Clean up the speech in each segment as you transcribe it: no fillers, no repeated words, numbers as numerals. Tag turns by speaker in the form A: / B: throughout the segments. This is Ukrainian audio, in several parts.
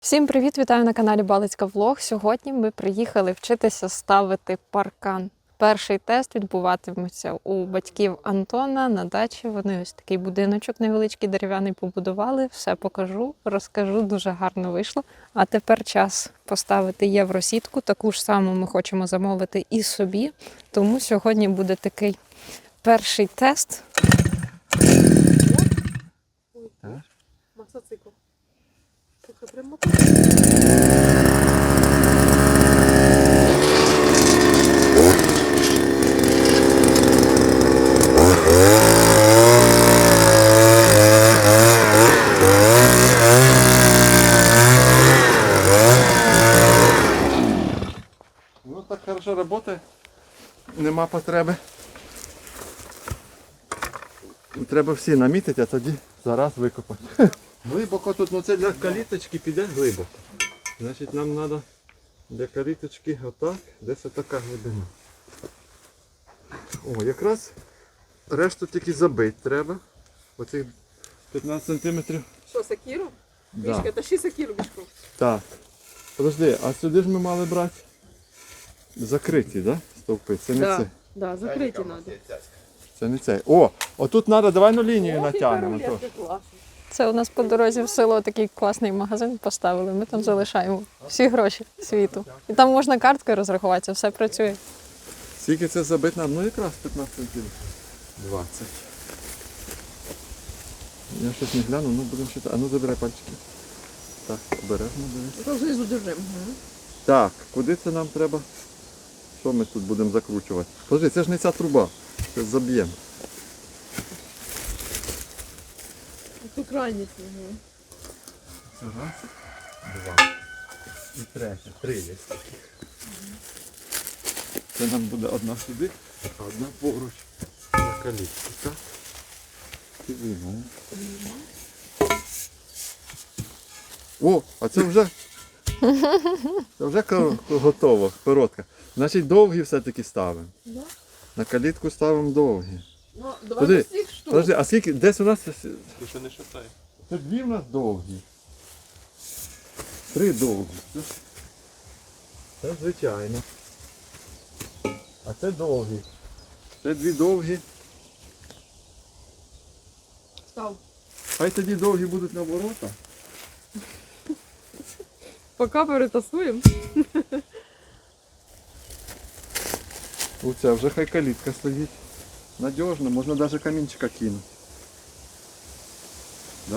A: Всім привіт! Вітаю на каналі Балицька Влог. Сьогодні ми приїхали вчитися ставити паркан. Перший тест відбуватиметься у батьків Антона на дачі. Вони ось такий будиночок невеличкий дерев'яний побудували. Все покажу, розкажу, дуже гарно вийшло. А тепер час поставити євросітку. Таку ж саму ми хочемо замовити і собі. Тому сьогодні буде такий перший тест.
B: Мотоцикл.
C: Ну так хорошо работает. Нема потреби. Треба всі намітити, а тоді зараз викопати. Глибоко тут, ну це для каліточки піде глибоко. Значить нам треба для каліточки отак, десь отака глибина. О, якраз решту тільки забити треба. Оцих 15 см.
B: Що, сакіру?
C: Да.
B: Мішка, тащи сакіру, Мішко.
C: Так. Подожди, а сюди ж ми мали брати закриті, да? Стовпи. Це не це.
B: Да, закриті треба.
C: Це не це. О, отут треба, давай на лінію натягнемо. то.
A: Це у нас по дорозі в село такий класний магазин поставили. Ми там залишаємо всі гроші світу. І там можна карткою розрахуватися, все працює.
C: Скільки це забити нам? Ну якраз 15 сантиметрів. 20. Я щось не гляну, ну будемо читати. А ну забирай пальчики. Так, обережно дивись.
B: Це знизу держимо.
C: Так, куди це нам треба? Що ми тут будемо закручувати? Подожди, це ж не ця труба. Це заб'ємо.
B: Тут крайні.
C: Це раз, два. І третя. Три є такі. Це нам буде одна сюди, а одна поруч на калітку. Так? І виймемо. О, а це вже готово, коротка. Значить довгі все-таки ставимо.
B: Да?
C: На калітку ставимо довгі.
B: Ну,
C: Подожди,
B: давай всіх штук.
C: Подожди, а скільки, десь у нас...
D: Ти що не шатай?
C: Це дві в нас довгі. Три довгі. Це звичайно. А це довгі. Це дві довгі.
B: Став.
C: Хай тоді довгі будуть на ворота.
B: Поки перетасуємо.
C: Оця вже хай калітка стоїть. Надіжно, можна навіть камінчика кинути. Да?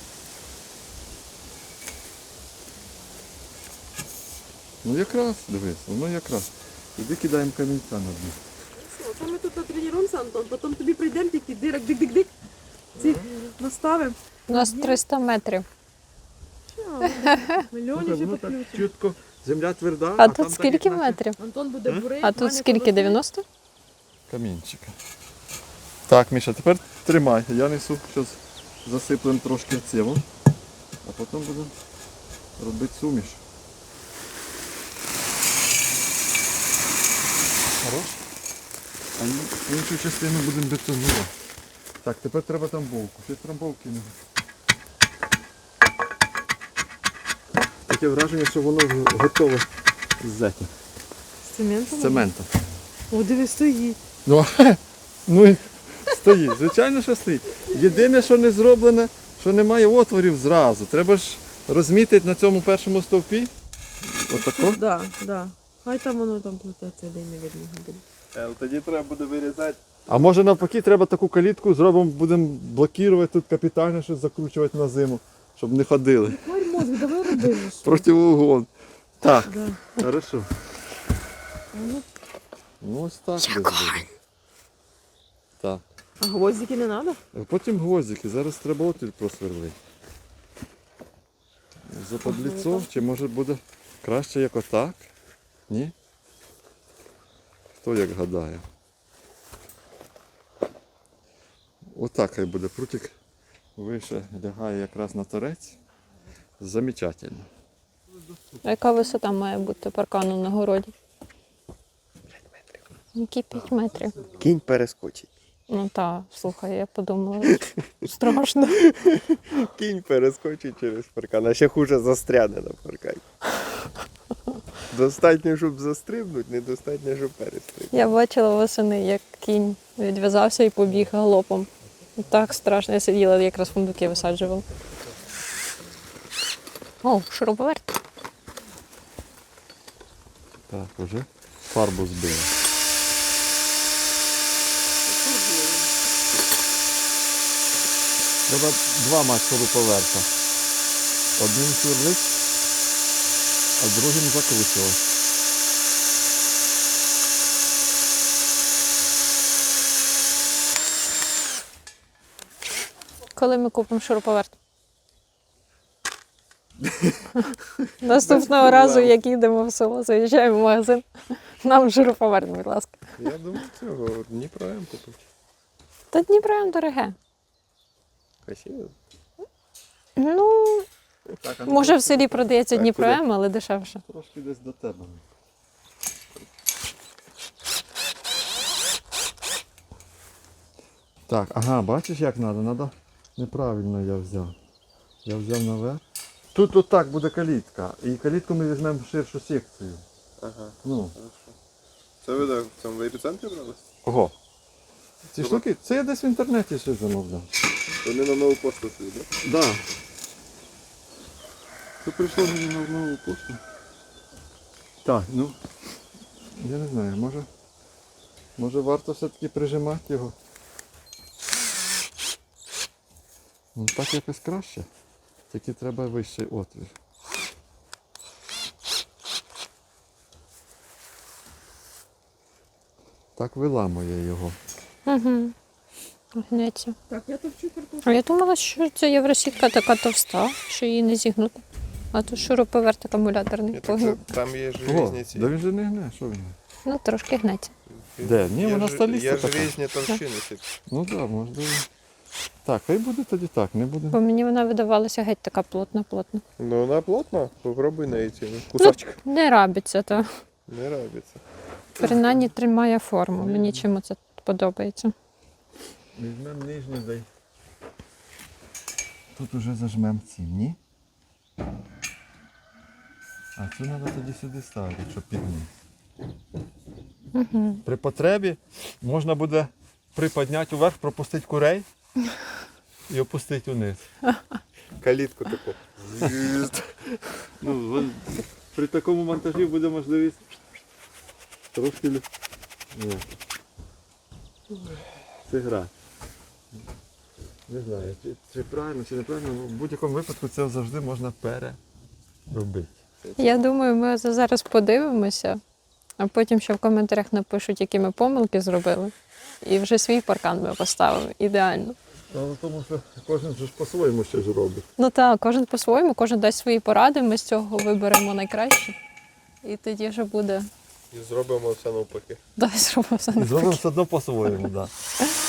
C: Ну якраз, дивись, воно якраз. Тоді кидаємо камінця на дно.
B: Це ми тут натренуємося, Антон, потім тобі прийдемо, тільки дирок, дик-дик-дик. Ці наставимо.
A: У нас 300 метрів.
B: Мільйонів ще
C: Воно так
B: підключимо.
C: чітко, земля тверда,
A: А
C: там
A: тут
C: так,
A: скільки
C: як наче
A: метрів?
B: Антон буде бурити.
A: А тут скільки? 90?
C: камінчика. Так, Міша, тепер тримай. Я несу, зараз засиплемо трошки цього, а потім будемо робити суміш. Хорош? А іншу частину будемо бетонувати. Так, тепер треба тамбовку. Ще трамбовки не. Таке враження, що воно готове з зетів,
B: З цементом?
C: з цементу.
B: О, диви, стоїть.
C: Ну і стоїть, звичайно, що стоїть. Єдине, що не зроблене, що немає отворів зразу. Треба ж розмітити на цьому першому стовпі. Отако.
B: Да, да. Хай там воно там плететься, де не видно буде.
D: Тоді треба буде вирізати.
C: А може навпаки, треба таку калітку зробимо, будемо блокувати тут капітально, щось закручувати на зиму, щоб не ходили.
B: Тварь мозг, давай робимо.
C: Противоугон. Так,
B: Да.
C: хорошо. Ну ось так. десь буде. Так.
B: А гвоздики не треба?
C: Потім гвоздики, зараз треба отвір просверлити. Западліцо, чи може буде краще як отак? Ні? Хто як гадає? Отак хай буде. Прутик вище лягає якраз на торець. Замечательно.
A: А яка висота має бути паркану на городі? 5 метрів. Які 5 метрів?
D: Кінь перескочить.
A: Ну так, слухай, я подумала, страшно.
D: Кінь перескочить через паркан, а ще хуже застряне на паркані. Достатньо, щоб застрибнути, недостатньо, щоб перестрибнути.
A: Я бачила восени, як кінь відв'язався і побіг галопом. Так страшно, я сиділа, якраз фундуки висаджувала. О, шуруповерт.
C: Так, уже фарбу збили. Треба два мати шуруповерта. Одним сверлить, а другим закручувати.
A: Коли ми купимо шуруповерт? Наступного разу, як їдемо в село, заїжджаємо в магазин, нам шуруповерт, будь ласка.
D: Я думаю, цього Дніпро М купив.
A: Та Дніпро дороге.
D: Красиво.
A: Ну,
C: Так,
A: може в селі продається
D: Так,
A: Дніпро
D: куди?
A: М, але дешевше.
C: Трошки десь до тебе. Так, ага, бачиш як треба? Надо... Неправильно я взяв. Я взяв наверх. Тут отак буде калітка. І калітку ми візьмемо в ширшу секцію.
D: Ага,
C: Ну.
D: хорошо. Це ви так в цьому епіцентрі брали?
C: Ого. Ці штуки, це я десь в інтернеті ще замовляв.
D: Вони на нову пошту собі, так?
C: Да. Це прийшло мені на нову пошту. Так, ну. Я не знаю, може варто все-таки прижимати його. Ну так якось краще. Тільки треба вищий отвір. Так виламує його.
A: Угу. Гнеться.
B: Так, я товчу картошку.
A: А я думала, що ця євросітка така товста, що її не зігнути. А тут шуруповерт акумуляторний. Погнув.
D: Там є ж
C: О,
D: різні ці.
C: да він же не гне, що він?
A: Ну, трошки гнеться.
C: Де? Ні,
D: Є
C: вона
D: ж-
C: сталіста
D: Є ж
C: така.
D: різні товщини.
C: Ну так, да, можливо. Так, хай буде тоді так, не буде.
A: Бо мені вона видавалася геть така плотна-плотна.
D: Ну вона плотна, попробуй на ці кусочок.
A: Не рабиться, то
D: Не робиться.
A: принаймні тримає форму. Мені чому це подобається.
C: Візьмемо нижню, дай. Тут уже зажмемо ці, ні? А цю треба тоді сюди ставити, щоб підняти.
A: Угу.
C: При потребі можна буде приподняти вверх, пропустити курей і опустити вниз.
D: Калітку таку.
C: Ну, при такому монтажі буде можливість трошки зіграти. Не знаю, чи правильно, чи неправильно, в будь-якому випадку це завжди можна переробити.
A: Я думаю, ми зараз подивимося, а потім ще в коментарях напишуть, які ми помилки зробили. І вже свій паркан ми поставили. Ідеально.
C: Тому що кожен ж по-своєму щось робить.
A: Ну так, кожен по-своєму, кожен дасть свої поради, ми з цього виберемо найкраще. І тоді вже буде.
D: І зробимо все навпаки.
A: Дай зробимо все
C: І
A: навпаки.
C: зробимо все одно по-своєму, так. Да.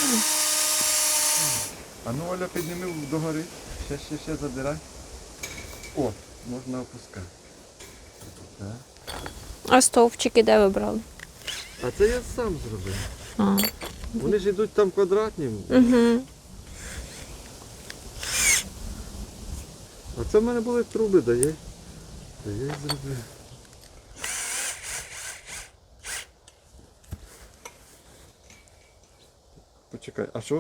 C: А ну, Оля, підніми догори. Ще задирай. О, можна опускати. Так.
A: А стовпчики де ви брали?
C: А це я сам зробив.
A: А.
C: Вони ж йдуть там квадратні.
A: Угу.
C: А це в мене були труби, да я їх зробив. Почекай, а що?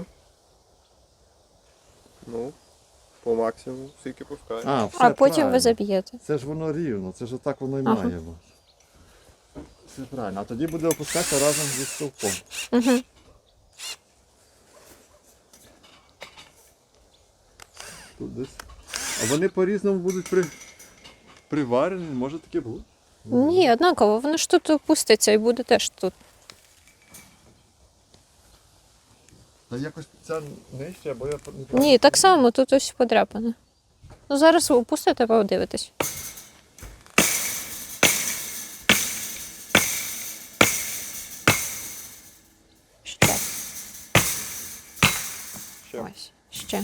D: Ну, по максимуму, скільки пускає.
C: Все
A: А потім
C: правильно.
A: ви заб'єте.
C: Це ж воно рівно, це ж отак воно і
A: Ага.
C: має бути. Все правильно. А тоді буде опускатися разом зі стовпом.
A: Угу.
C: Тут десь. А вони по-різному будуть приварені, може таке бути?
A: Ні, однаково, воно ж тут опуститься і буде теж тут.
C: Та якось ця нижче, бо я
A: Ні, так само, тут ось подряпане. Ну зараз ви опустите, подивитесь. Ще.
D: Ще.
A: Ось, ще.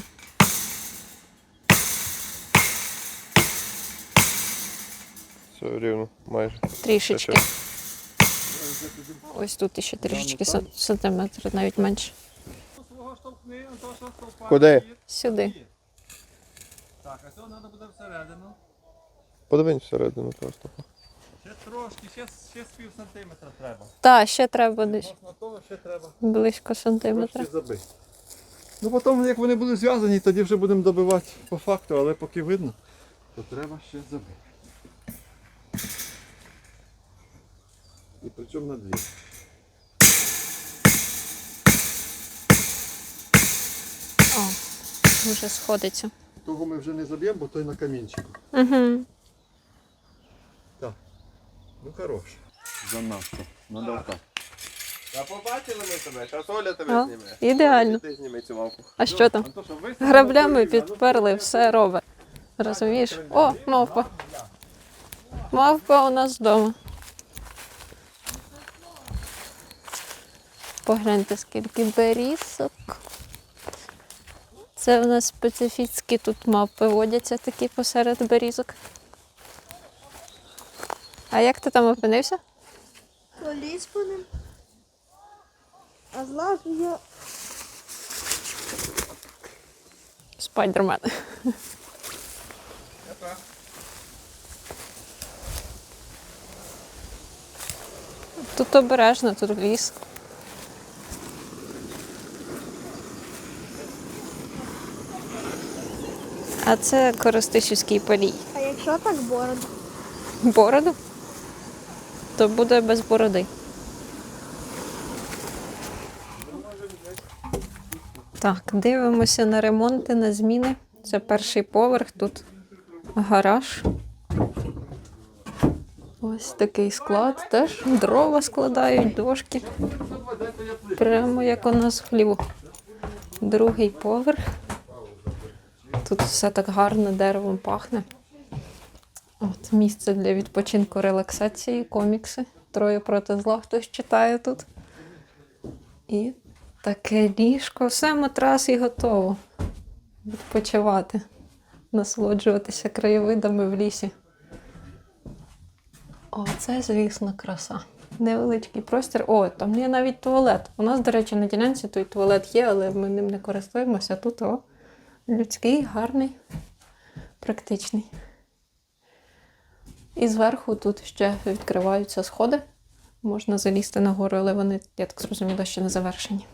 D: Все рівно, майже.
A: Трішечки.
D: Ще.
A: Ось тут ще трішечки сантиметр, навіть менше.
C: Ні, то що стовпа.
D: Куди?
A: Сюди.
C: Так, а цього треба буде всередину.
D: Подивись всередину просто.
C: Ще трошки, ще з пів сантиметра треба.
A: Та, ще треба десь
C: Можна того, ще треба
A: близько сантиметра.
C: трошки забити. Ну потім, як вони будуть зв'язані, тоді вже будемо добивати по факту, але поки видно, то треба ще забити. І причому на дві.
A: О, вже сходиться.
C: Того ми вже не заб'ємо, бо той на камінчику.
A: Угу.
C: Так. Ну хорош. Занадто. Надо так.
D: А побачили ми тебе, зараз Оля
A: О,
D: тебе зніме.
A: ідеально.
D: Ти зніми цю мавку.
A: А що там?
C: Антоша, висунь
A: Граблями
C: на коліна,
A: підперли, все робить. Розумієш? О, мавпа. Мавпа у нас вдома. Погляньте, скільки берізок. Це у нас специфічні тут мавпи водяться такі посеред берізок. А як ти там опинився?
E: Поліз по ним. А злазу я.
A: Спайдермен. Тут обережно, тут ліс. А це Коростишівський полій.
E: А якщо так бороду?
A: Бороду? То буде без бороди. Так, дивимося на ремонти, на зміни. Це перший поверх, тут гараж. Ось такий склад, теж дрова складають, дошки. Прямо як у нас в хліву. Другий поверх. Тут все так гарно деревом пахне. От місце для відпочинку, релаксації, комікси. Троє проти зла хтось читає тут. І таке ліжко. Все, матрас і готово. Відпочивати. Насолоджуватися краєвидами в лісі. О, це, звісно, краса. Невеличкий простір. О, там є навіть туалет. У нас, до речі, на ділянці той туалет є, але ми ним не користуємося. Тут людський, гарний, практичний. І зверху тут ще відкриваються сходи. Можна залізти нагору, але вони, я так зрозуміла, ще не завершені.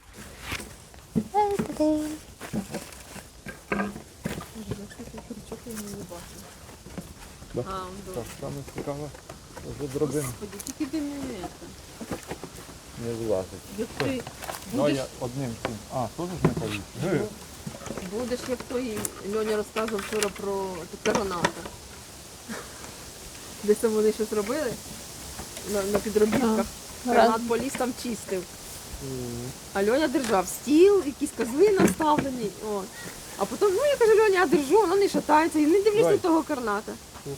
C: Так, саме цікаве, вже дробин
B: Тільки ти
C: не влазить.
B: як ти
C: Ну, я одним цим. А, теж ж не повітря.
B: будеш, як той Льоня розказував вчора про граната. Десь там вони щось робили на підробітках. Гранат поліз там чистив. А Льоня держав стіл, якісь козли наставлені. От. А потім, ну я кажу, Льоня, я держу, воно не шатається. І не дивлюсь на того карната.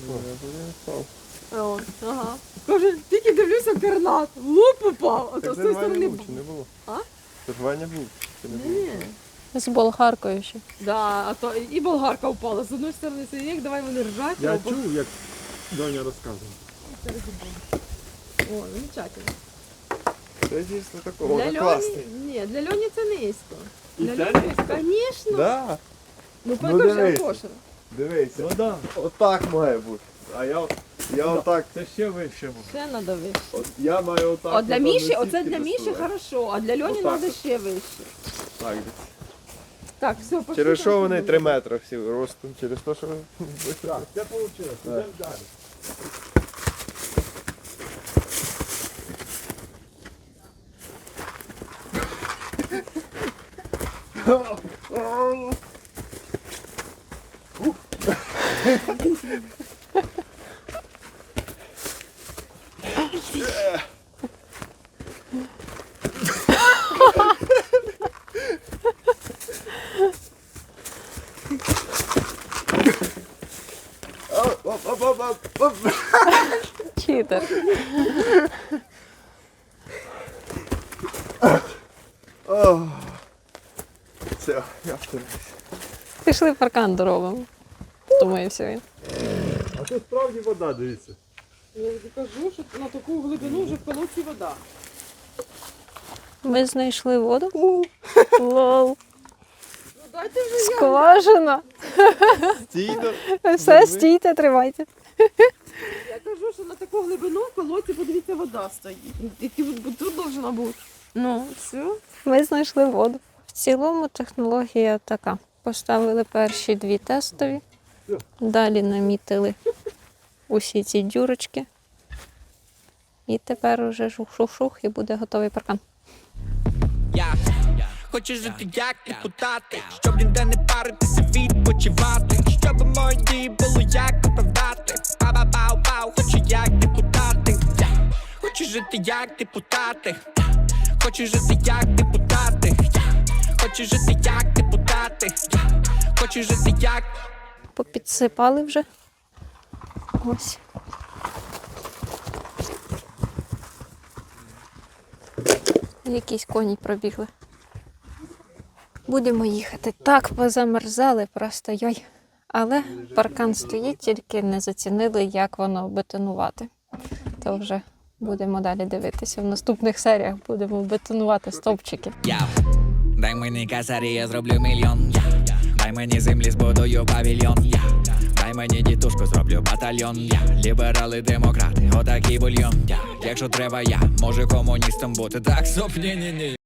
B: От, ага. Каже, тільки дивлюся карнат, в лоб упав, а то з тої сторони.
D: не було?
B: А?
D: Це ж Ваня був. Чи не було?
B: Ні.
A: З болгаркою ще.
B: Да, а то і болгарка впала. З одної сторони сидять, давай вони ржать.
C: Я
B: а по-
C: чув, як Доня розказував.
B: О, замечательно.
D: Це дійсно такого.
B: Для
D: Воно
B: Льоні,
D: класний.
B: ні, для Льоні це низько.
C: І
B: Для
C: це
B: Льоні, звісно.
D: Да.
B: Ну,
D: Ну,
B: покажи,
D: дивись.
B: Антоша.
D: Дивися.
C: Ну так,
D: Отак має бути. А я отак.
C: це ще вище.
B: Ще треба вище.
D: От я маю отак.
B: От для
D: отам
B: Міші,
D: на
B: оце
D: сітки
B: для Міші
D: доставати.
B: хорошо, а для Льоні
D: Отак
B: треба
D: от.
B: ще вище.
D: Так, десь.
B: Так, все, пошли.
D: Через
B: там
D: що вони
B: сидимо.
D: 3 метри всі ростом? Через те, що
C: Так, це вийшло. Йдемо далі.
D: Оп-оп-оп-оп-оп.
A: Читер.
D: Все, я втомився.
A: Пішли паркан доробимо. Втомився він.
C: А тут справді вода, дивіться.
B: Я кажу, що на таку глибину вже в колодці вода.
A: Ми знайшли воду. Лол.
B: Дайте вже я.
A: Скважина.
D: Стійно.
A: Все, стійте, тримайте.
B: Я кажу, що на таку глибину в колодці, подивіться, вода стоїть. І тут должна бути. Ну, все.
A: Ми знайшли воду. В цілому технологія така. Поставили перші 2 тестові, далі намітили усі ці дюрочки. І тепер уже шух-шух-шух і буде готовий паркан.
F: Я хочу жити як депутати, щоб ніде не паритися, відпочивати, щоб мої дії було як оправдати. Пау-пау-пау, хочу як депутати. Я хочу жити як депутати. Хочу жити як депутати. Хочу жити як депутати. Хочу жити як.
A: Попідсипали вже. Ось. Якісь коні пробігли. Будемо їхати. Так позамерзали, просто йой. Але паркан стоїть, тільки не зацінили, як воно бетонувати. То вже будемо далі дивитися. В наступних серіях будемо бетонувати стовпчики.
F: Дай мені касарі, я зроблю мільйон. Дай мені землі, збудую павільйон. Дай мені дітушку, зроблю батальйон. Ліберали, демократи, отакий бульйон. Якщо треба, я можу комуністом бути. Так, стоп, ні-ні-ні.